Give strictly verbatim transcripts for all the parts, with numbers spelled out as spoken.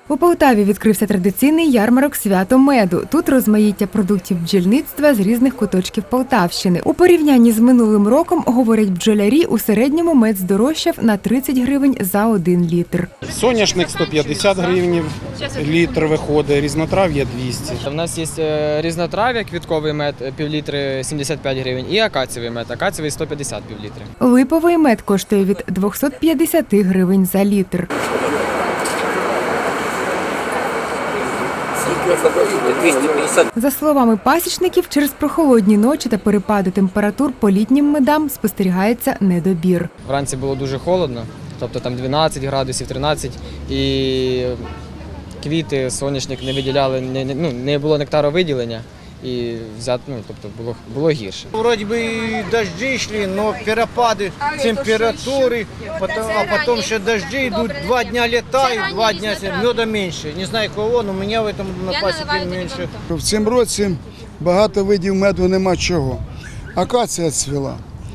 У Полтаві відкрився традиційний ярмарок «Свято меду». Тут розмаїття продуктів бджільництва з різних куточків Полтавщини. У порівнянні з минулим роком, говорять бджолярі, у середньому мед здорожчав на тридцять гривень за один літр. Соняшник сто п'ятдесят гривень літр виходить, різнотрав'я двісті. У нас є різнотрав'я, квітковий мед, півлітри сімдесят п'ять гривень, і акацієвий мед, акацієвий сто п'ятдесят півлітри. Липовий мед коштує від двохсот п'ятдесяти гривень за літр. За словами пасічників, через прохолодні ночі та перепади температур по літнім медам спостерігається недобір. Вранці було дуже холодно, тобто там дванадцять градусів, тринадцять, і квіти, соняшник не виділяли, не, ну, не було нектаровиділення. І взяти, ну, тобто було, було гірше. Вроде бы и дожди шли, но перепады температуры, потом, а потом ще дожди идут, два дня летают, два дня меда меньше. Не знаю кого, но у меня в этом на пасеке меньше. В цьому році багато видів меду нема чого. Акація цвіла,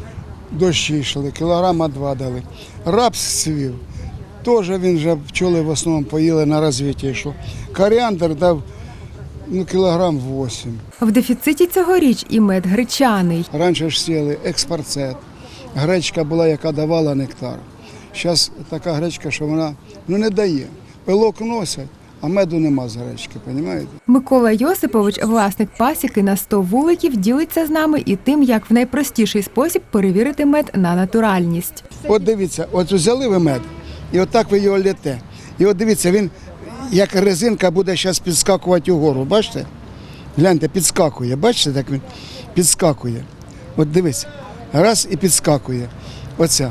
дощі йшли, кілограма два дали. Рапс цвів, теж він вже пчоли в основному поїли, на розвиття йшло. Коріандр дав ну, кілограм вісім. В дефіциті цьогоріч і мед гречаний. Раніше ж сіяли експарцет. Гречка була, яка давала нектар. Зараз така гречка, що вона ну, не дає. Пилок носять, а меду нема з гречки, розумієте? Микола Йосипович, власник пасіки на сто вуликів, ділиться з нами і тим, як в найпростіший спосіб перевірити мед на натуральність. От дивіться, от взяли ви мед, і отак ви його лєте. І от дивіться, він як резинка буде зараз підскакувати угору, бачите? Гляньте, підскакує, бачите, так він підскакує. От дивіться, раз і підскакує. Оця.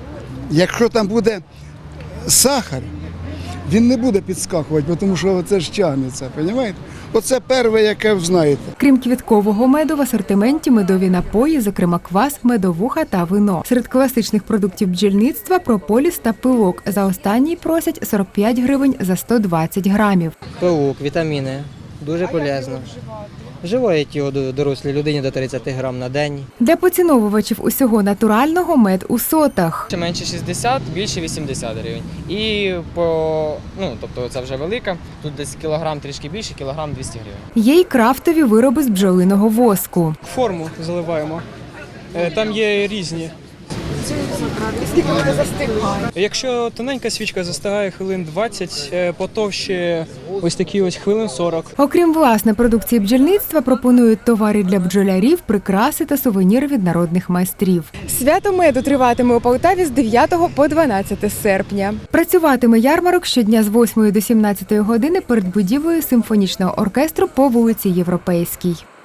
Якщо там буде сахар, він не буде підскакувати, тому що це ж тягнеться, розумієте? Оце перше, яке ви знаєте. Крім квіткового меду, в асортименті медові напої, зокрема квас, медовуха та вино. Серед класичних продуктів бджільництва – прополіс та пилок. За останній просять сорок п'ять гривень за сто двадцять грамів. Пилок, вітаміни, дуже полезно. Вживають його дорослій людині до тридцяти грам на день. Для поціновувачів усього натурального мед у сотах. Менше шістдесят, більше вісімдесят гривень. І по, ну, тобто це вже велика, тут десь кілограм трішки більше, кілограм двісті гривень. Є й крафтові вироби з бджолиного воску. Форму заливаємо. Там є різні. Скільки вона застигає? Якщо тоненька свічка застигає хвилин двадцять, потовще ось такі ось хвилин сорок. Окрім власне продукції бджільництва, пропонують товари для бджолярів, прикраси та сувеніри від народних майстрів. Свято меду триватиме у Полтаві з дев'ятого по дванадцяте серпня. Працюватиме ярмарок щодня з восьмої до сімнадцятої години перед будівлею симфонічного оркестру по вулиці Європейській.